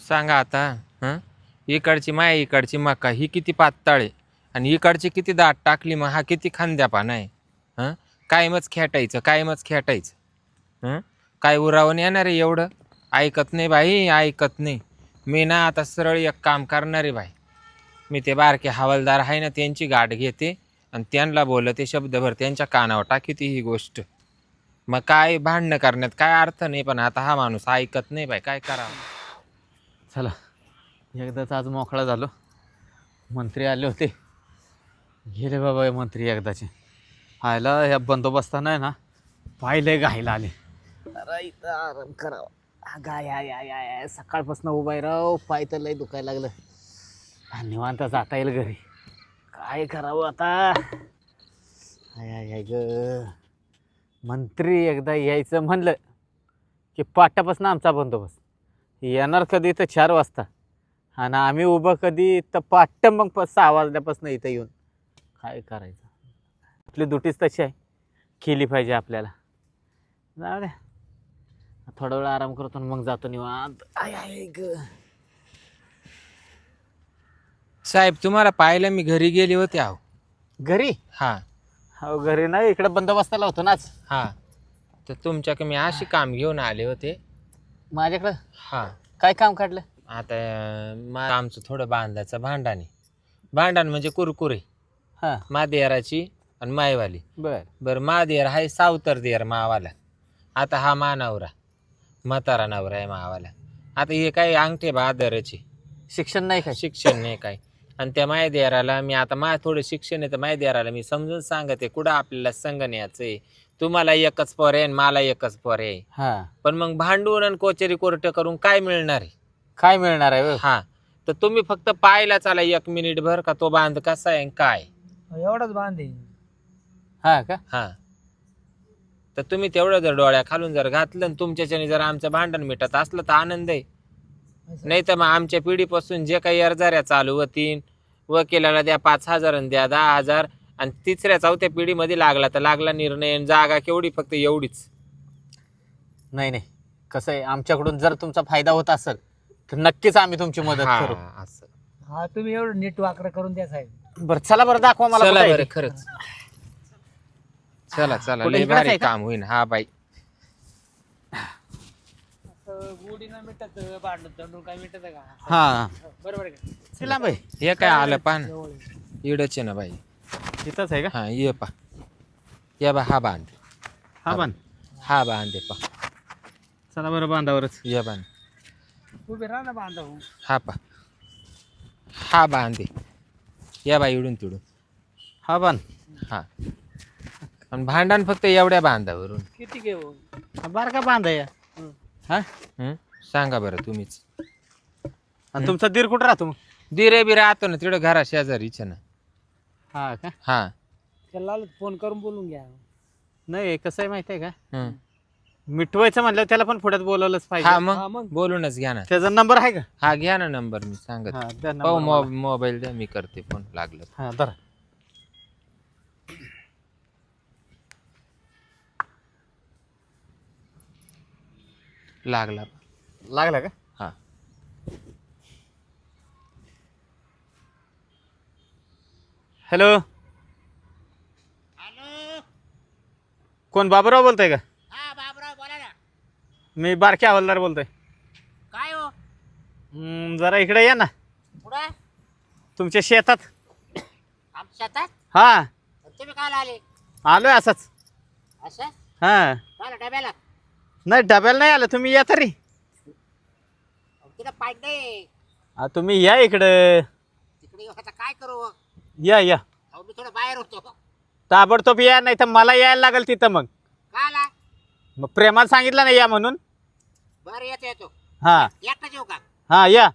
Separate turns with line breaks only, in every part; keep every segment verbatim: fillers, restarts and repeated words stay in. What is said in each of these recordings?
सांगा आता. हं इकडची माय इकडची मका ही किती पातळ आहे आणि इकडची किती दाट टाकली, मग हा किती खांद्यापाना आहे. हं कायमच खेटायचं कायमच खेटायचं हं काय उरावून येणार आहे एवढं. ऐकत नाही बाई, ऐकत नाही. मी ना आता सरळ एक काम करणार आहे बाई. मी ते बारके हवालदार आहे ना त्यांची गाठ घेते आणि त्यांना बोलते शब्दभर त्यांच्या कानावर टाकीते ही गोष्ट. मग काय भांडणं करण्यात काय अर्थ नाही, पण आता हा माणूस ऐकत नाही बाई, काय करावं.
चला एकदाच आज मोकळा झालो. मंत्री आले होते, गेले बाबा हे मंत्री एकदाचे. आयला ह्या बंदोबस्तानं आहे ना पाहिले घायला आले. अरे इथं आराम करावा. गाय आय आय आय सकाळपासून उभा आहे राव, पाय तर लय दुखायला लागलं. निवांत जाता येईल घरी. काय करावं आता. आय आय आय ग. मंत्री एकदा यायचं म्हणलं की पाटापासून आमचा बंदोबस्त. येणार कधी तर चार वाजता आणि आम्ही उभं कधी तर पाट्ट मग प सहा वाजल्यापासून इथं येऊन काय करायचं. आपली दुटीच तशी आहे, केली पाहिजे आपल्याला. जाऊ द्या थोडा वेळ आराम करतो आणि मग जातो निवांत. आय आय ग.
साहेब तुम्हाला पाहिलं मी घरी गेले होते. आहो
घरी?
हा
हो घरी नाही, इकडे बंदोबस्ताला होतो नाच.
हा तर तुमच्याकडे मी अशी काम घेऊन आले होते.
माझ्याकडं
हा
काय काम काढलं?
आता मा आमचं थोडं बांधायचं भांडण आहे. भांडण म्हणजे कुरकुरे.
हां
मादेराची आणि मायवाली.
बर
बरं मादेर आहे सावतर देर मावाला. आता हा मानावरा म्हातारा नवरा आहे मावाला. आता हे काय अंगठे बहादरचे,
शिक्षण नाही काय?
शिक्षण नाही काय. आणि त्या मायदेराला मी आता मा थोडं शिक्षण आहे तर मायदेराला मी समजून सांगते कुठं आपल्याला संग न्यायचं आहे. तुम्हाला एकच पोर आहे आणि मला एकच पोर आहे.
हां
पण मग भांडून आणि कोचेरी कोर्ट करून काय मिळणार आहे.
काय मिळणार आहे?
हा तर तुम्ही फक्त पाहायला चाला एक मिनिट भर का तो बांध कसा आहे काय.
एवढाच बांधे.
हां का?
हा तर तुम्ही तेवढं जर डोळ्या खालून जर घातलं आणि तुमच्याच्याने जर आमचं भांडण मिटत असलं तर आनंद आहे. नाही तर मग आमच्या पिढीपासून जे काही अर्जाऱ्या चालू होतीन, वकिलाला द्या पाच हजार आणि द्या दहा हजार आणि तिसऱ्या चौथ्या पिढीमध्ये लागला तर लागला निर्णय. जागा केवढी फक्त एवढीच.
नाही नाही, कसं आहे आमच्याकडून जर तुमचा फायदा होत असेल तर नक्कीच आम्ही तुमची मदत
हा,
करू.
असं.
हा तुम्ही एवढं नीट वाकडं करून द्या साहेब.
बरं चला बरं दाखवा मला
चला
कुठं आहे
बरं
ते.
खरंच. चला चला
कुठे
लय
इकडेच
भारी
आहे का?
काम होईन. हा बाई
गुढी न मिटत भांडण तंडून काय मिटत का?
हा
बरोबर आहे का?
चला बाई
हे काय आलं पान
जवळ आहे.
इडच आहे ना बाई.
इथंच आहे का?
हा ये पा या बा हा बांध.
हा बांध.
हा बांध पा.
चला बरं बांधावरच.
या बांध.
उभे राहा ना बांधव.
हा पा हा बांधे. या बाई इडून तिडून.
हा बांध.
हा आणि भांडण फक्त एवढ्या बांधावरून.
किती घेऊ?
हा बारका बांध आहे. हा
हं? सांगा बरं तुम्हीच.
आणि तुमचा दीर कुठं राहतो मग?
दिरे बी राहतो ना तिकडं घरा शेजारीच ना.
हा का?
हा
त्याला फोन करून बोलून घ्या.
नाही कसं आहे माहिती आहे का,
हं.
मिटवायचं म्हणलं त्याला पण पुढ्यात बोलवलंच
हा
पाहिजे.
हा,
मग
मग.
बोलूनच घ्या ना.
त्याचा नंबर आहे का?
हा घ्या ना नंबर मी सांगत.
हा द्या
हो
number मला.
मोबाईल द्या मी करते फोन लागलं.
हा धरा.
लागला.
लागला का?
हा
हॅलो. कोण बाबूराव बोलतोय का?
हा बाबराव बोला ना.
मी बारके हवालदार बोलतोय.
काय हो?
हम्म, जरा इकडे या ना
पुढे
तुमच्या शेतात.
आमच्या शेतात?
हा
तुम्ही काय आले
आलोय असंच.
असं?
हा
मला डब्याला
नाही डब्याला नाही आलं, तुम्ही या तरी.
तिथं पाईट नाही.
हा, तुम्ही या इकडं.
तिकडे येऊ आता काय करू?
या या
अहो मी थोडं बाहेर होतो.
ताबडतोब या, नाही तर मला यायला लागेल तिथं. मग
का आला?
मग प्रेमाला सांगितलं नाही या म्हणून.
बरं येतो येतो.
हा
एकटाच येऊ का?
हा या.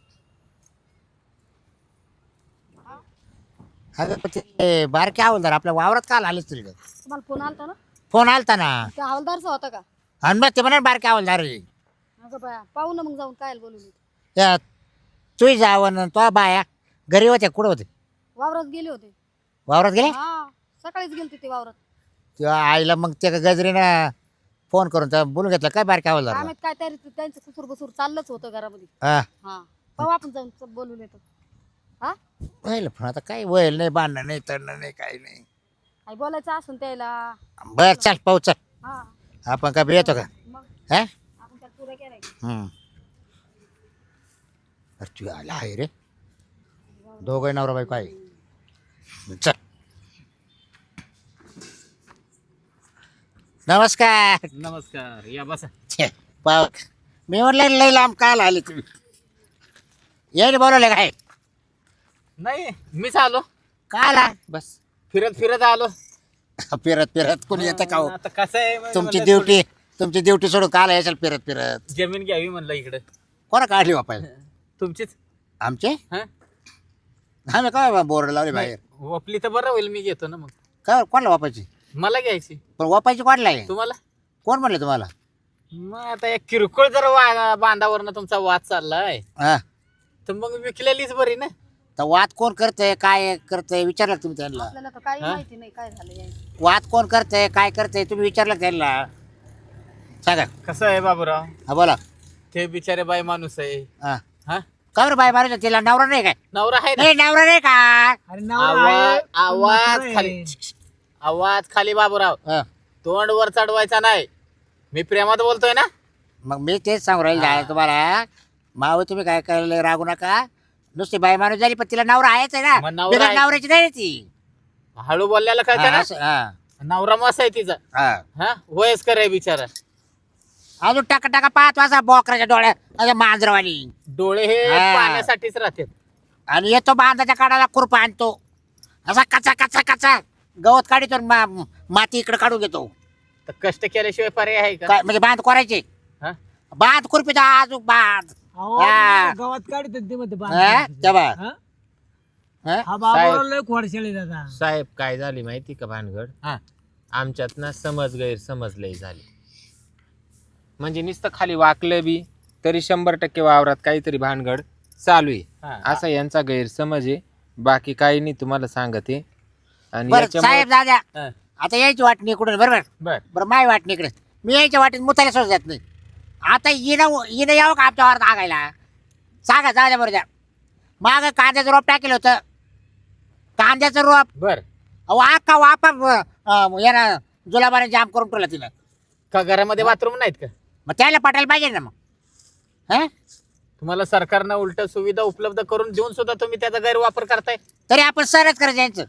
अगं बारके हवालदार आपल्या वावरात काल आलेच तुला?
तुम्हाला फोन आलता ना?
फोन आलता ना.
त्या हवालदारचा होता का?
आणि मग ते म्हणा बारके हवालदार आहे.
अगं बाया पाहू ना मग जाऊन काय बोलून.
त्या तुही जावं तो बाया घरी होत्या कुठं होते?
वावरात गेले होते.
वावरात गेले?
हा सकाळीच गेलते ते वावरात.
तेव्हा आईला मग त्या गजरीनं फोन करून त्या बोलून घेतलं काय बारक्या आवाज झाला
आम्ही काय तरी त्यांचं कुसूर बसूर चाललंच होतं घरामध्ये.
हा
हा पाहू आपण जाऊन च- बोलून येतो. हा
व्हायला पण आता काय वयल नाही बांधणं नाही तडणं नाही काही नाही.
काय बोलायचं असून त्याला.
बर चल पाहू चल
हा
आपण काय येतो का
मग
हा
आपण त्यात पुरा केलाय.
हम्म. अरे तू आला आहे रे दोघं नवरा बायको आहे चल नमस्कार
नमस्कार या बसा.
छे, पाव मी म्हटलं लई लांब काल आले तुम्ही यायला बोलवले काय
नाही मीच आलो
का आला
बस
फिरत फिरत आलो.
फिरत फिरत कोणी येतं का हो?
आता कसं आहे म्हणजे
तुमची
म्हणलं
ड्युटी तुमची ड्युटी सोडून काल यायचं फिरत फिरत
थोडी जमीन घ्यावी म्हणलं इकडे.
कोणा काढली वापायला
तुमचीच
आमचे
हा
आम्ही काय बोर्ड लावले बाहेर
वपली तर बरं होईल, मी घेतो ना मग.
काय कोणाला वापायची
मला घ्यायची.
पण वापायची कोणाला आहे
तुम्हाला
कोण म्हणले तुम्हाला
मग आता एक किरकोळ जर वा बांधावरनं तुमचा वाद चाललाय
हा
तर मग विकलेलीच बरी ना.
तर वाद कोण करतंय काय करतंय विचारलं का तुम्ही त्यांना
आपल्याला तर काही
हा?
माहिती नाही काय झालं यायचं.
वाद कोण करतंय काय करतंय तुम्ही विचारलं का त्यांना सांगा
कसं आहे बाबूराव,
हा बोला
ते बिचारे बाई माणूस आहे.
हा
हा
का बरं बाय मारायचं तिला नवरा नाही काय
नवरा आहे ना.
नाही नवरा नाही का
अरे नवरा
आवाज
आहे, पण
आवाज
म्हातारा
खाली
आहे.
आवाज खाली बाबूराव,
हा.
तोंड वर चढवायचा नाही. मी प्रेमात बोलतोय ना.
मग मी तेच सांगू राहील
हा.
तुम्हाला माव तुम्ही काय करायला रागू नका नुसती बाय माणूस झाली पण तिला नवरा आहेच आहे
मग
ना
नवरा
बिगर
आहे.
नवऱ्याची नाही ती
हळू बोलल्याला कळतं
हा,
ना.
असं, हा,
नवरा मस्त आहे तिचा.
हा.
हा वयस्कर आहे बिचारा.
अजून टाका टाका पाहत वाजता बोकराच्या डोळ्यात अशा मांजरवाणी
डोळे हे
हा.
पाण्यासाठीच राहतात.
आणि येतो बांधाच्या काढायला खुरपा आणतो असा कचा कचा कचा गवत काढतो आणि मा- माती इकडे काढून घेतो
तर कष्ट केल्याशिवाय पर्याय आहे का?
काय म्हणजे बांध करायचे
हा?
बांध खुरपीचा आजूक बांध
अहो,
हा.
गावात काढत ते मध्ये
हा?
बांधतात.
तेव्हा
हा?
हा?
हा बाबा लय खोडशाळी दादा.
साहेब काय झाली माहिती का भानगड
हा.
आमच्यात ना समज गैरसमज लय झाली म्हणजे नुसतं खाली वाकलं बी तरी शंभर टक्के वावरात काहीतरी भानगड चालू आहे
हा.
असा यांचा गैरसमज आहे बाकी काही नाही तुम्हाला सांगते आणि
बरं
याच्यामुळे
साहेब दादा
हा.
आता यायची वाटणी इकडून बरोबर
बर
बरं माय वाटणी इकडे मी यायच्या वाटेत मुताला सोडत जात नाही आता येणं येणं यावं का आमच्या वावरात आगायला सांगा जाऊ द्या बरं द्या माग कांद्याचं रोप टाकेलं होतं कांद्याचं रोप
बर
वाका वापा यानं जुलाबाने जाम करून ठेवला तिला
का घरामध्ये बाथरूम नाहीत का?
मग त्याला पटायला पाहिजे ना मग हा
तुम्हाला सरकारनं उलट सुविधा उपलब्ध करून देऊन सुद्धा तुम्ही त्याचा गैरवापर करताय.
तरी आपण सरच करायचं यांचं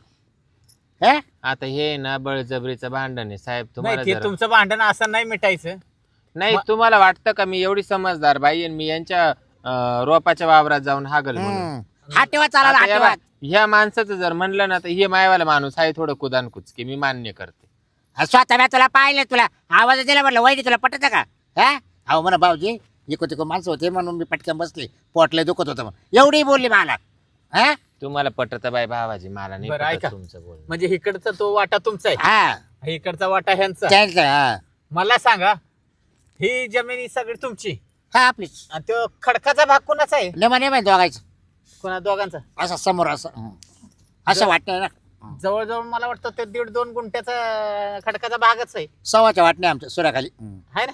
हा
आता हे ना बळजबरीचं भांडण आहे साहेब तुम्हाला
नाही ते
जरा-
तुमचं भांडण असं नाही मिटायचं.
नाही
म-
तुम्हाला वाटतं का मी एवढी समजदार बाई आहे आणि मी यांच्या अं, रोपाच्या वावरात जाऊन हागल म्हणून
हम्म. हा ठेवा चालायला
आता
हा
या
ठेवा
बा- ह्या माणसाचं जर म्हणलं ना तर हे मायवाला माणूस आहे थोडं कुदान कुचकी मी मान्य करते
हा, स्वतः मी तुला पाहिलं तुला आवाज दिला म्हटलं वैदी तुला पटत का हा अहो म्हणा भाऊजी इको तिको माणसं होते म्हणून मी पटकन बसले पोटले दुखत होतं म्हणून एवढी बोलली मला हा
तुम्हाला पटत बाई भावाजी मला नाही
बरं,
पटत
ऐका.
तुमचं बोल
म्हणजे इकडचा तो वाटा तुमचा आहे,
हा
इकडचा वाटा ह्यांचा.
त्यांचं हा
मला सांगा, ही जमीन ही सगळी तुमची
हा आपलीच
आणि तो खडकाचा भाग कोणाचा आहे?
नेमा नेमा दोघायचं
कोणा दोघांचा?
असं समोर असं हं. असं वाटतंय ना
जवळजवळ मला वाटतं ते दीड दोन गुंठ्याचा खडकाचा भागच आहे.
सव्वाच्या वाटणे आमच्या सुराखाली हं.
आहे ना?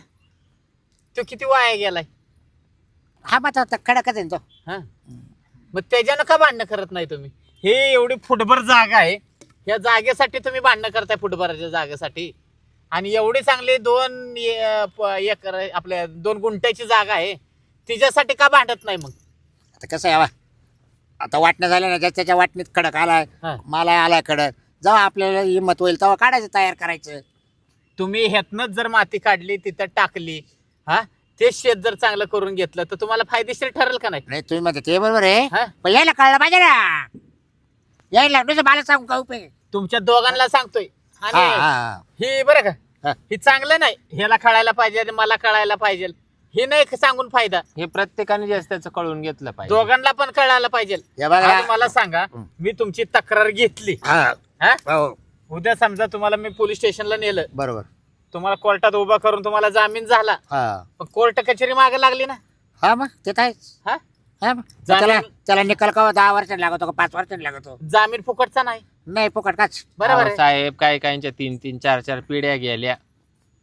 तो किती वाया गेलाय?
हा मात्र आता खडकच आहे ना तो
हा मग त्याच्यानं का भांडणं करत नाही तुम्ही? हे एवढी फुटभर जागा आहे, या जागेसाठी तुम्ही भांडणं करताय फुटभराच्या जागेसाठी. आणि एवढी चांगली दोन ए- प- एकर आपल्या दोन गुंठ्याची जागा आहे, तिच्यासाठी का भांडत नाही मग?
आता कसं आहे बा, आता वाटणं झालं ना ज्या त्याच्या वाटणीत खडक आलाय
हा.
मला आलाय खडक जेव्हा आपल्याला हिंमत होईल तेव्हा काढायचं तयार करायचं
तुम्ही ह्यातनंच जर माती काढली तिथं टाकली, हा ते शेत जर चांगलं करून घेतलं तर तुम्हाला फायदेशीर ठरेल का नाही?
नाही तुम्ही म्हणता ते बरोबर आहे
हा?
पण यायला कळलं पाहिजे ना यायला नुसतं मला सांगू का उपयोग आहे?
तुमच्या दोघांना सांगतोय.
हा,
आणि
हा,
हे बरं का,
हा.
हे चांगलं नाही, ह्याला कळायला पाहिजे आणि मला कळायला पाहिजे, हे नाही सांगून फायदा.
हे प्रत्येकाने जास्त त्याचं कळून घेतलं पाहिजे
दोघांना पण कळायला पाहिजे.
हे बघा.
आज मला सांगा,
हं.
मी तुमची तक्रार घेतली,
हा,
हा?
हो,
उद्या समजा तुम्हाला मी पोलीस स्टेशनला नेलं,
बरोबर
तुम्हाला कोर्टात उभा करून तुम्हाला जामीन झाला,
हा
पण कोर्ट कचेरी मागे लागली ना,
हा मग ते तर आहेच
हा
हा मग.
जामीन-
त्याला त्याला निकाल का दहा वर्षांनी लागतो का पाच वर्षांनी लागतो
जामीन फुकटचा नाही.
नाही फुकट काच
बरोबर
अहो,
आहे.
साहेब काय कायच्या तीन तीन चार चार पिढ्या गेल्या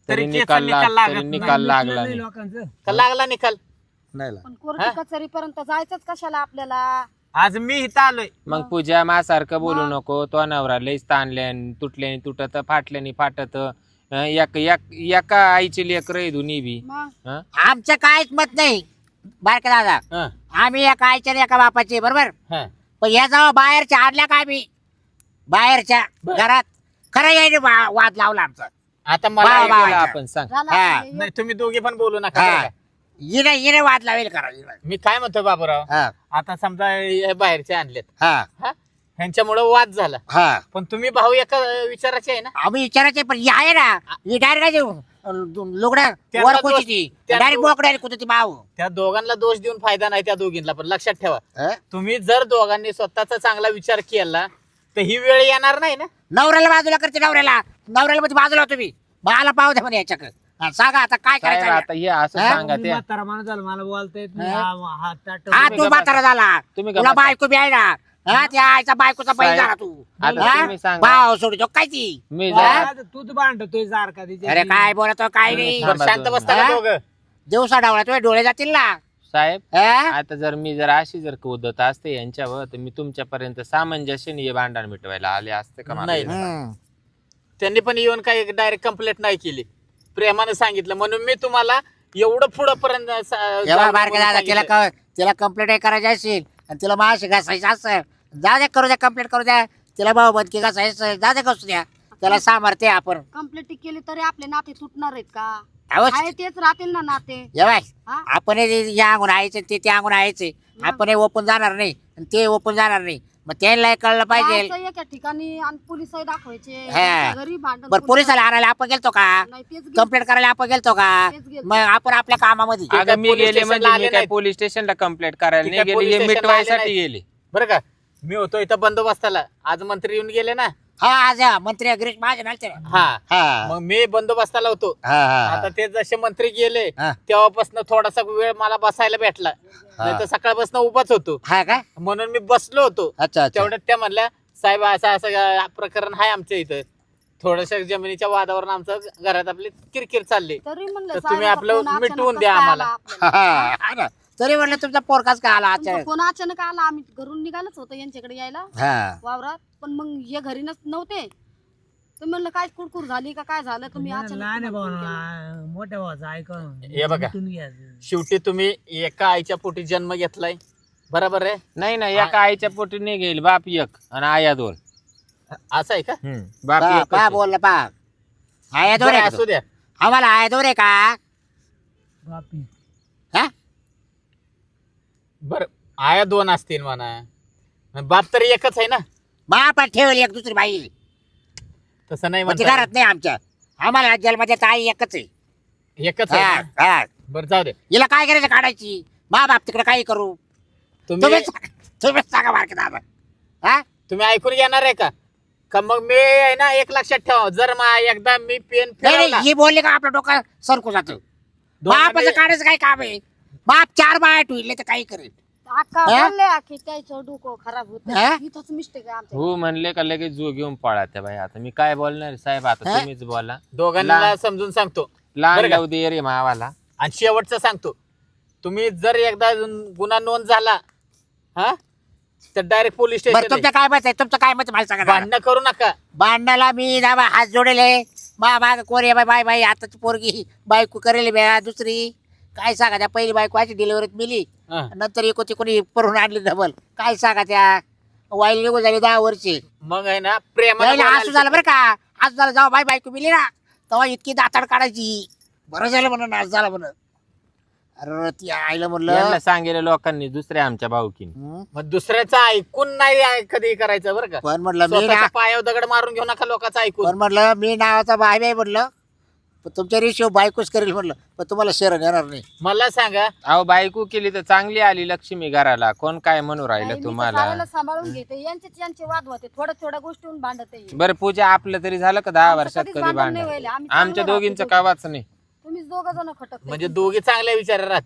तरी
तरी
निकाल
निकाल
लाग-
लागत
तरी
नाही.
निकाल लागला
नाही
नाही.
लोकांचं
का लागला निकाल
नाही ला.
पण कोर्ट कचेरीपर्यंत जायचंच कशाला आपल्याला?
आज मी इथं आलोय
मग पूजा माझ्यासारखं बोलू
मग?
नको. तो नवरा लईच ताणल्यान तुटल्याने तुटत फाटल्याने फाटत. हं, एक एक- एका आईची लेकर आहे दोन्ही बी.
मग
हं?
आमचं काहीच मत नाही बारके दादा.
हं,
आम्ही एका आईच्या आणि एका बापाचे बरोबर.
हं.
पण या जाऊ बाहेरच्या आणल्या का आम्ही बाहेरच्या
बर.
घरात खरं यायने वा- वाद लावला आमचा.
आता मला
बा-
एक
बा-
बोला.
बोला आपण सांग.
झालं
हा.
आपलं
नाही
हे.
तुम्ही दोघे पण बोलू नका
हा.
बरं का?
हिने हिने वाद लावेल करा हिने.
मी काय म्हणतो बाबूराव
हा
आता समजा हे बाहेरचे आणलेत
हा
हा ह्यांच्यामुळे वाद झाला
हा
पण तुम्ही भाऊ एका विचाराचे आहे ना
आम्ही विचारायचे पण ही आहे ना ही डायरेक्ट लुगड्या
त्यांना
वर
दोष-
कुठची
त्यांना
डायरेक्ट
दोष-
बोकड्या कुठे ती भाऊ.
त्या दोघांना दोष देऊन फायदा नाही त्या दोघींना पण लक्षात ठेवा
हं?
तुम्ही जर दोघांनी स्वतःचा चांगला विचार केला तर ही वेळ येणार नाही ना
नवऱ्याला बाजूला करते नवऱ्याला नवऱ्याला मध्ये बाजूला हो तुम्ही मला पाहू द्या म्हणे याच्याकडे हा, सांगा आता काय
साहेब,
करायचं
आता हे असं
हं?
सांगा
मी
ते.
म्हातारा माणूस झाला मला बोलता येत नाही
हा?
हा- हात ताटं
हा
तुम्ही
तू
गप्प
म्हातारा झाला
तुम्ही
तुला
गप्प
बायको बी आहे ना हा त्या आईचा बायकोचा बैल
साहेब,
झाला तू
आता
हा?
तुम्ही सांगा.
भाव सोडतो काय ती
मी
हा?
जरा-
आता तूच भांडतोय सारखा तिच्या
अरे काय बोलतो काय नाही
थांबा
बरं, शांत
दोन
बसता का
हा?
दोघं
दिवसा डावला तुझे डोळे जातील ना
साहेब
हा?
आता जर मी जर अशी जर कुदत असते यांच्यावर तर मी तुमच्यापर्यंत सामंजस्याने हे भांडण मिटवायला आले असते का मला?
नाही.
हम्म.
त्यांनी पण येऊन काही डायरेक्ट कंप्लेंट नाही केली प्रेमाने सांगितलं म्हणून मी तुम्हाला एवढं पुढं पर्यंत
एवढा बारका दादा तिला क- तिला कंप्लेंट करायची असेल आणि तिला माशी घासायचं असेल जा द्या करू द्या कंप्लेंट करू द्या तिला भाऊ बदकी घासायचं जा द्या कसू द्या त्याला सामर्थ्य आहे आपण
कंप्लेंट केली तरी आपले नाते तुटणार आहेत का?
अहो,
आहे तेच राहतील ना नाते.
जेवाय
हा?
आपण हे या अंगून यायचे ते त्या अंगून यायचे आपण हे ओपन जाणार नाही आणि ते ओपन जाणार नाही मग त्यांना कळलं पाहिजे.
जायचं एका ठिकाणी आणि पोलिसही दाखवायचे
हा.
घरी भांडण
बरं पोलिसाला आणायला आपण गेलतो का
नाही तेच गेलं.
कंप्लेंट करायला आपण गेलतो का
तेच गेलतो.
मग आपण आपल्या कामामध्ये
काय
अगं मी
पोलीस
गेले
स्टेशनला
म्हणजे
आले
मी काय
नाहीत.
पोलीस स्टेशनला कंप्लेंट करायला
ती
नाही
काय
गेले
पोलीस
हे
स्टेशनला आले
मिटवायसाठी
नाहीत.
गेले.
बरं का मी होतो इथं बंदोबस्ताला आज मंत्री येऊन गेले ना
हा आज या, मंत्री गिरीश महाजन आलते ना.
हा
हा
मग मी बंदोबस्ताला होतो
हा हा
आता ते जसे मंत्री गेले
हा.
तेव्हापासून थोडासा वेळ मला बसायला भेटला नाही तर सकाळपासून उभाच होतो
हा का
म्हणून मी बसलो होतो
अच्छा अच्छा
तेवढ्यात त्या म्हणल्या साहेब असं असं अं, प्रकरण आहे आमच्या इथं थोडस जमिनीच्या वादावरून आमचं घरात आपली किरकिर चालली
तरी म्हणलं
तर तुम्ही
साहेबाचा
आपलं
फोन अचानक
मिटवून
कसं
द्या
काय
आम्हाला.
आला आपल्याला?
हा, हा ना. तरी म्हणलं तुमचा पोरकाच का आला
तुमचा
अचानक
फोन अचानक आला आम्ही घरून निघालच होतो यांच्याकडे यायला
हा
वावरात पण मग हे घरी नस- नव्हते तर म्हणलं काय कुरकुर झाली का काय झालं तुम्ही
लहान
अचानक
आहे
फोन केला.
भाऊ मोठ्या भावाचं ऐकून
हे बघा.
मिटून घ्यायचं.
शेवटी तुम्ही एका आईच्या पोटी जन्म घेतलाय बरोबर आहे
नाही नाही एका आईच्या पोटी नाही गेली बाप एक आणि आया दोन.
असं आहे का
हम्म, बाप
पा
एकच
पा
आहे.
बोललं पा आया दोर
बरं,
आहे
असू द्या
आम्हाला आया दोर आहे का
बापी.
हा
बर आया दोन असतील म्हणा बाप तरी एकच आहे ना
बाप ठेवली एक दुसरी बाई
तसं नाही
म्हणजे
म्हणता
घरात नाही आमच्या आम्हाला जन्मदेत आई एकच आहे
एकच
हा,
आहे ना?
हा.
बरं जाऊ दे
हिला काय करायचं काढायची मा बाप तिकडे काही करू
तुम्ही
तुम्ही तुम्ही सांगा बारके दादा हा
तुम्ही ऐकून घेणार आहे का का मग मी आहे ना एक लक्षात ठेवा जर मा एकदा मी पेन
नाही
फिरवला
नाही, ही बोलली का आपलं डोकं सरकू जातं
दोघांनी-
बापाचं काढायचं काय काम आहे बाप चार बाया ठेवले तर काही करेल
अक्का
हा?
बोलले की त्याचं डोकं खराब होत
हा?
इथंच मिस्टेक आहे आमच्या
हो म्हणले का लगेच जो घेऊन पळा त्या बाई. आता मी काय बोलणार साहेब आता
हा?
तुम्हीच बोला.
दोघांना
लहान-
समजून सांगतो
लहान
बरं का?
लावू दे रे मावाला.
आणि शेवटचं सांगतो तुम्ही जर एकदा गुन्हा नोंद झाला हा तर डायरेक्ट पोलीस
बरं
स्टेशन
तुमचं काय मत आहे तुमचं काय मत आहे मला सांगा जरा.
भांडणं करू नका
भांडणाला मी दाबा हात जोडेले मा माग कोरी बाय बाय बाय आताची पोरगी बायको करेल बॅ दुसरी काय सांगा त्या पहिली बायको अशी डिलिव्हरीत मिली
हा.
नंतर एकोती कोणी परून आणली डबल काय सांगा त्या वाईल निघून झाली दहा वर्षे
मग आहे ना प्रेमाने
त्याला असं झालं
बोलायला
बरं का असं झालं जेव्हा बाय बायको मिली ना तेव्हा इतकी दाताड काढायची बरं झालं म्हणून असं झालं म्हणून अरे ती आईला म्हणलं
यांना सांगेल लोकांनी दुसऱ्या आमच्या भाऊकीने.
हं?
मग दुसऱ्याचं ऐकून नाही ऐ- कधी करायचं बरं का
पण म्हटलं मी
स्वतःच्या
ना
पायावर दगड मारून घेऊ नका लोकांचं ऐकून
पण म्हटलं मी नावाचा बाय बाय म्हटलं पण तुमच्या रेशिओ बायकोच करेल म्हटलं पण तुम्हाला शरण येणार नाही
मला सांगा
अहो बायको केली तर चांगली आली लक्ष्मी घराला कोण काय म्हणू
नाही, मी
राहिलं
तर
तुम्हाला.
साऱ्याला सांभाळून घेते यांचेच यांचे वाद होते थोड्या थोड्या गोष्टीहून भांडत आहे.
बरं पूजा आपलं तरी झालं का दहा
आमचं
वर्षात
कधीच
कधी
भांडण नाही
भांडण?
व्हायला. आम्ही
आमच्या
चांगलं
दोघींचं
राहतो.
कावाच नाही.
तुम्हीच दोघ जण खटक
म्हणजे दोघे चांगल्या विचार राहतात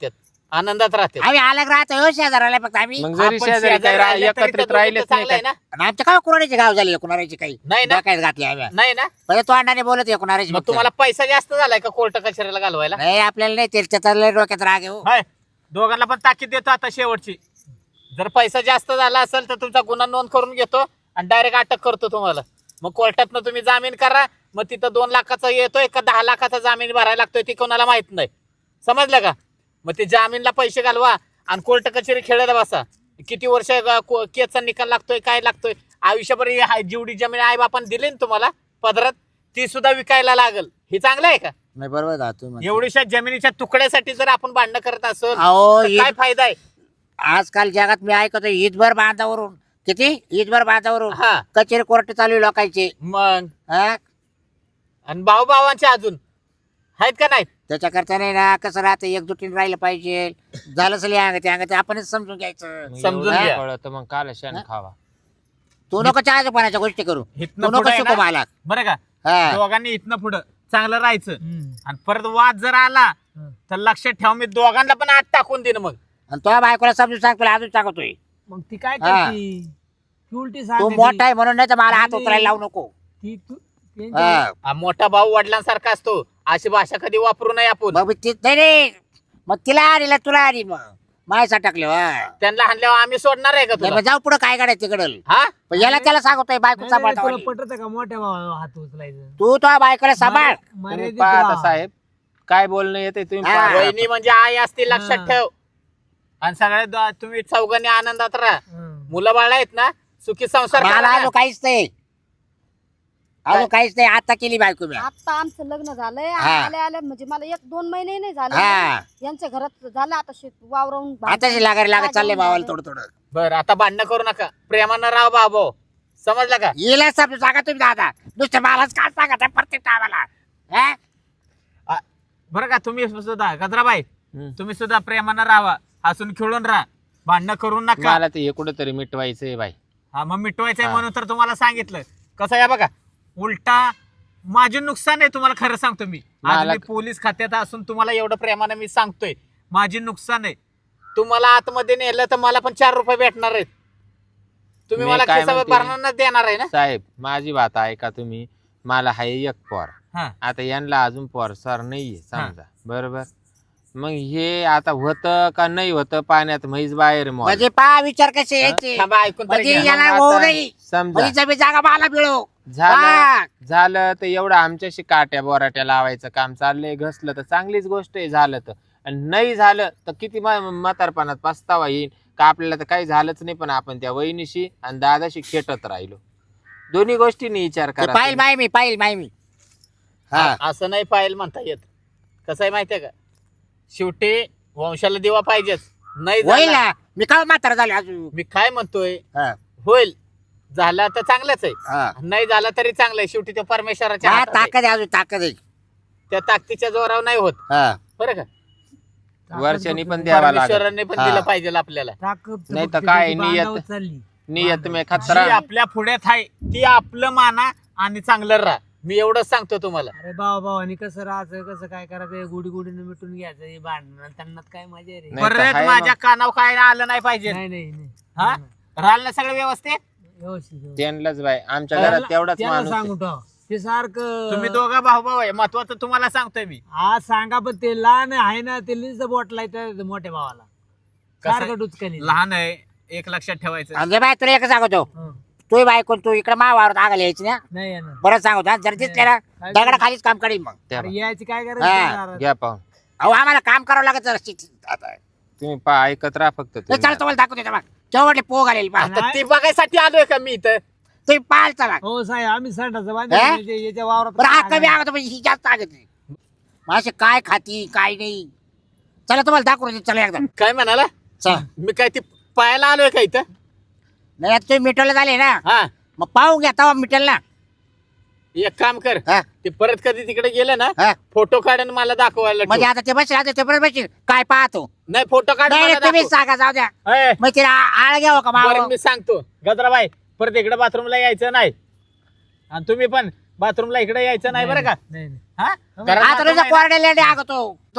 आनंदात राहते.
आम्ही अलग राहतो हो शेजाराला फक्त आम्ही.
मग जरी
आपण
शेजारी
शेजारी
काही रा-
राहिलं तरी
एकत्रित
तर
राहिलेच
दोघीचं
नाही
चांगलं आहे
काय
ना.
आणि आमच्या काय कुणाची गाव झाली कुणाची काही
नाही ना
डोक्यात घातली आम्ही.
नाही ना
पहिले तो अंडाने बोलत आहे कुणाची.
मग तुम्हाला पैसा जास्त झालाय का कोर्ट कचेरीला घालवायला?
नाही आपल्याला नाही ते त्याचा डोक्यात राग आहे हो.
हाय दोघांना पण ताकीद देतो आता शेवटची. जर पैसा जास्त झाला असेल तर तुमचा गुन्हा नोंद करून घेतो आणि डायरेक्ट अटक करतो तुम्हाला. मग कोर्टातनं तुम्ही जामीन करा. मग तिथं दोन लाखाचा येतोय का दहा लाखाचा जामीन भरायला लागतोय ते कोणाला माहित नाही. समजलं का? मग ते जामीनला पैसे घालवा आणि कोर्ट कचेरी खेळत बसा. किती वर्ष केसचा निकाल लागतोय काय लागतोय. आयुष्यभर ही हाय- जेवढी जमीन आई बापान दिली ना तुम्हाला पदरात ती सुद्धा विकायला लागल. हे चांगलं आहे का?
नाही बरोबर आहे तुम्ही म्हणता.
एवढीशा जमिनीच्या तुकड्यासाठी जर आपण भांडणं करत असो
अहो
तर काय
ईद-
फायदा आहे?
आजकाल जगात मी ऐकतो ईदभर बांधावरून किती ईदभर बांधावरून
हा
कचेरी कोर्ट चालू आहे लोकांचे.
मग
हा?
आणि भाऊ भावांचे अजून आहेत का नाही?
त्याच्याकरता नाही ना कसं राहतं एकजुटीने राहिलं पाहिजे. झालं असेल या अंगात अंगात आपणच समजून घ्यायचं.
मग
समजून
एवढं
घ्या.
कळतं मग काल शेण खावा.
तू नको चहाजोपणाच्या गोष्टी करू.
इथनं
तू नको
पुढं आहे
शिकू
ना,
मला.
बरं का
हा.
दोघांनी इथनं पुढं चांगलं राहायचं आणि परत वाद जर आला तर लक्षात ठेव मी दोघांना पण आत टाकून देईन. मग
आणि तो बायकोला समजून सांग तुला अजून सांगतोय.
मग ती काय
हा.
करते ती उलटी
तू
सांगते
मोठा आहे म्हणून नाही तर मला हात
आणि-
उचलायला लावू नको.
ती तू त्यांच्या-
हा.
हा मोठा भाऊ वडिलांसारखा असतो. अशी भाषा कधी वापरू नये आपण.
मग मी ती नाही रे मग तिला आणला तुला आली मग मायसा टाकले हा.
त्यांना हाणल्यावर आम्ही सोडणार आहे का
नाही,
तुला?
मग जाऊ पुढे काय काढायचं तिकडं.
हा
पण याला त्याला सांगतोय बायको
नाही, नाही,
सांभाळता
तुला पटत का मोठ्या भावाला हात उचलायचं?
तू तो बायकोला सांभाळ.
तुम्ही
मर्यादित
पहा आता
राहा.
साहेब काय बोलणं येते तुम्ही
हा.
पहा.
वहिनी म्हणजे आई असते लक्षात
हा.
ठेव. आणि सगळ्या दो- तुम्ही चौघांनी आनंदात राहा.
हं.
मुलं बाळ आहेत ना सुखी संसार
मला
करा ना.
अजून काहीच नाही अजून काहीच नाही. आता केली बायको मी.
आता आमचं लग्न झालंय
हा.
आले आले म्हणजे मला एक दोन महिने नाही झाले
हा.
यांच्या घरात झालं आता शेत वावरावून
आताची लागायला लागत चालले भावाला थोडं थोडं.
बरं आता भांडणं करू नका. प्रेमानं राहा बाबो. समजलं का?
येला समजून सांगा तुम्ही दादा. नुसतं मलाच काय सांगा प्रत्येक टायमाला. हा?
आ, बरं का तुम्ही सुद्धा गजराबाई
हम्म.
तुम्ही सुद्धा प्रेमानं राहा. हसून खेळून राहा. भांडणं करू नका.
मला ते हे कुठंतरी मिटवायचंय बाई.
हा मग मिटवायचंय
हा.
म्हणून तर तुम्हाला सांगितलं. कसं आहे बघा उलटा माझे नुकसान आहे तुम्हाला खरं सांगतो मी. आज
मला-
मी पोलीस खात्यात असून तुम्हाला एवढं प्रेमानं मी सांगतोय माझी नुकसान आहे. तुम्हाला आतमध्ये नेलं तर मला पण चार रुपये भेटणार आहेत. तुम्ही
मी
मला
काय
खिसा
म्हणते?
भरणार देणार आहे ना.
साहेब माझी बात ऐका तुम्ही. मला हाय एक पोर.
हा
आता यांना अजून पोर सर नाहीये समजा बरोबर. मग हे आता होतं का नाही होतं पाण्यात म्हैस बाहेर मॉल.
म्हणजे पा विचार कसे यायचे.
थांबा ऐकून तरी
म्हणजे
घ्या.
याला
मग
होऊ
आता
नाही.
समजा
म्हणजे जमीन जागा मला मिळो.
झालं
हा.
झालं तर एवढं आमच्याशी काट्या बोराट्या लावायचं काम चाललंय. घसलं तर चांगलीच गोष्ट आहे. झालं तर आणि नाही झालं तर किती म- म्हातारपणात पस्तावा येईल का आपल्याला तर काही झालंच नाही. पण आपण त्या वहिनीशी आणि दादाशी खेटत राहिलो. दोन्ही गोष्टींनी विचार
ते
करा
पाहिल
तुम्ही.
माय मी पाहिल माय मी. हा.
आ- असं नाही पाहिजे म्हणता येत. कसं आहे माहितीये का शेवटी वंशाला दिवा पाहिजेच. नाही
होईल
झाला
ना. मी काय म्हातारा झाले अजून.
मी काय म्हणतोय
हा.
होईल. झाला तर चांगलंच आहे.
हा.
नाही झाला तरी चांगलं आहे. शेवटी तो परमेश्वराच्या
हा,
हातात आहे.
ताकद आहे अजून ताकद आहे.
त्या ताकदीच्या जोरावर नाही होत.
हा.
बरं का?
वर्षांनी पण द्यावा लागेल.
परमेश्वराने पण
हा.
दिलं पाहिजे आपल्याला.
ताकद
नाही तर
फक्त
काय
त्याची
नियत-
बांधावर चालली.
नियत मे
जी
खतरा.
आपल्या पुढ्यात आहे ती आपलं माना आणि चांगलं राहा. मी एवढंच सांगतो तुम्हाला.
अरे भावा भावानी कसं राहायचं कसं काय करायचं गुढी गुढीनं मिटून घ्यायचं हे भांडण त्यांना काय मजा आहे रे.
नाही तर
परत
हाय
माझ्या
मग.
कानावर काय आलं नाही पाहिजे.
नाही नाही नाही
हा राहिलं ना सगळं व्यवस्थित.
व्यवस्थित व्यवस्थित.
त्यांनाच बाई आमच्या
त्याला-
घरात तेवढाच
त्याला
माणूस आहे.
सांगू ठेव. ते सारखं
तुम्ही दोघं भाऊ भाऊ आहे. महत्वाचं तुम्हाला सांगतोय मी.
आज सांगा पण ते लहान आहे ना ते लिंच बोट लायचं मोठ्या भावाला
कसं-
सारखं डुचकनी
लहान आहे एक लक्षात ठेवायचं.
म्हणजे बाय तुला एक सांगतो.
हं.
तू बायकोन तू इकडे मावावर आगायला यायची ना.
नाही येणार.
बरं सांगतो जर दिसले ना
काय
दगडा खालीच काम करील मग.
त्या
अरे यायची काय
हा.
करायचं
घ्या पाहून.
अहो आम्हाला काम करावं लागत जरा शिक- आता.
तुम्ही पा ऐकत राहा फक्त
ते
तुम्ही.
चला तुम्हाला दाखवते तेव्हा. तेवढे पोग आलेली पहा.
आता ती बघायसाठी आलोय का मी इथं.
तुम्ही पाहाल चला.
हो साहेब आम्ही संडाचं
हे?
बांधलं याच्या वावरात
बरं हा कमी आगत ही जास्त आगत नाही. मासे काय खाती काय नाही. चला तुम्हाला दाखवू दे, चला एकदा.
काय म्हणाला
चला.
मी काय ती पायाला आलोय का इथं.
नाही आता तुम्ही मिटवलं झाले ना
हा
मग पाहून घ्या तेव्हा मिटेल ना.
एक काम कर
हा.
ते परत कधी तिकडे गेलं ना
हा.
फोटो काढ आणि मला दाखवायला
म्हणजे
ठेव.
आता ते बसेल आता ते परत बसेल काय पाहतो.
नाही फोटो काढ
नाही
मला
नाही, तुम्हीच
दाखव.
सांगा जाऊ द्या.
ए,
मग तिला आळ घ्यावं का
बरं
माव.
मी सांगतो गजराबाई परत इकडे बाथरूमला यायचं नाही. आणि तुम्ही पण बाथरूमला इकडे यायचं नाही बरं का.
नाही नाही
हा? कारण
आता
आता
तुझा
नाही ना-
कोरडे लेडे आगतो तो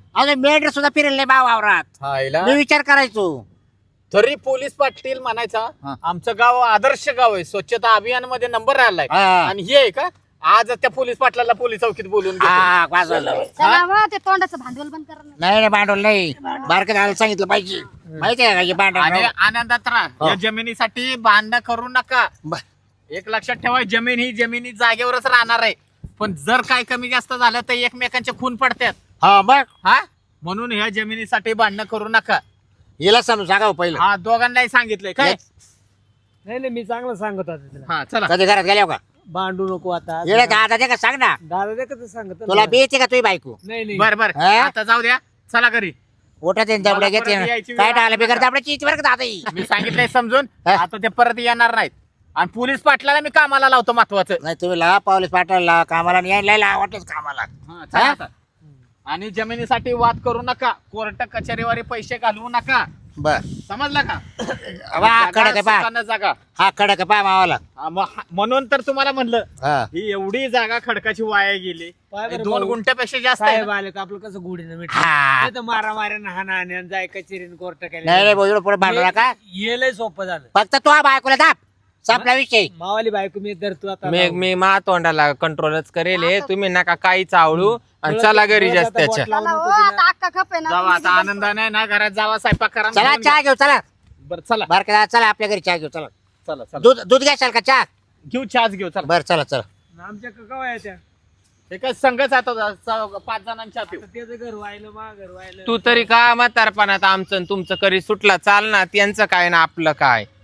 अजून मेंढर सुद्धा फिरेल नाही बा वावरात.
हायला
मी विचार करायचो.
तरी पोलीस पाटील म्हणायचा
हा.
आमचं गाव आदर्श गाव आहे, स्वच्छता अभियान मध्ये नंबर राहिलाय.
हा.
आणि हे आहे का आज त्या पोलीस पाटलाला पोलीस चौकीत बोलून घेतो.
हा वाज झालं.
चला बा, ते तोंडाचं भांडवल बंद करा ना.
नाही नाही भांडवल नाही. बारके दादा सांगितलं पाहिजे. माहिती आहे का हे भांडवल
आणि आनंदात राहा.
हो.
या जमिनीसाठी भांडणं करू नका.
ब-
एक लक्षात ठेवा, जमीन ही जमिनी जागेवरच राहणार आहे. पण जर काय कमी जास्त झालं तर एकमेकांचे खून पडतात.
हा मग
हा म्हणून ह्या जमिनीसाठी भांडणं करू नका.
हिला समजून सांगा हो पहिलं.
हा दोघांनाही सांगितलंय काय.
नाही नाही मी चांगलं सांगत होतो तिला.
हा चला.
कधी घरात गेल्या का
भांडू नको आता.
येडे दादा ते का सांग ना.
दादा ते कसं सांगत
तुला बी येते का तुझी बायको.
नाही नाही
बर बर
हा?
आता जाऊ द्या, चला घरी.
ओटा ते दाबड्या
मला परत
घेते
यायची
काय
वेळ
टाळलं
आली
बिगर
का?
दाबड्याची इथे बरं का दादा ही.
मी सांगितलंय समजून.
हा?
आता ते परत येणार नाहीत. आणि पोलीस पाटलाला मी कामाला लावतो महत्वाचं.
नाही तुम्ही ला पोलीस पाठवला कामाला नाही यायला वाटत कामाला.
हा, चला आता. आणि जमिनीसाठी वाद करू नका, कोर्ट कचेरीवर पैसे घालवू नका.
बर
समजलं का.
वा कडक आहे पा.
सुखानं जागा.
हा कडक आहे पा मावाला.
हा, मग हा- म्हणून तर तुम्हाला म्हणलं
हा
ही एवढी जागा खडकाची वाया गेली.
पाय बरं
दोन
भाऊ.
गुंठ्यापेक्षा जास्त आहे
साहेब
ना.
आले तर आपलं कसं गुढीनं मिठ
हा.
तर मारा माऱ्या हाना आणि जाय कचेरीन कोर्ट
नाही नाही भाऊ एवढं पुढे भांडू नका.
येलय सोपं झालं.
फक्त तो बायकोला दाब संपला विषय.
मावाली बायको मी धरतो आता.
मी मी मा तोंडाला कंट्रोलच करेल हे. तुम्ही नका काही चावळू आणि चला घरी जास्त त्याच्या.
चला हो, आता अक्का खप आहे ना.
जावा आता आनंदाने ना घरात जावा, स्वयंपाक करा.
चला चहा घेऊ चला.
बरं चला
बारके दादा चला आपल्या घरी चहा घेऊ चला.
चला चला
दूध दूध घ्याल का चहा.
घेऊ चहाच घेऊ. चला
म्हणजे
बर चला चला.
आमच्या कवा आहे त्या
एका संघच आता च- पाच जणांच्या पिऊ.
त्याचं घर व्हायला मा घर व्हायला.
तू तरी का म्हातारपणात आमचं आणि तुमचं करी सुटला चाल ना. त्यांचं काय ना आपलं काय.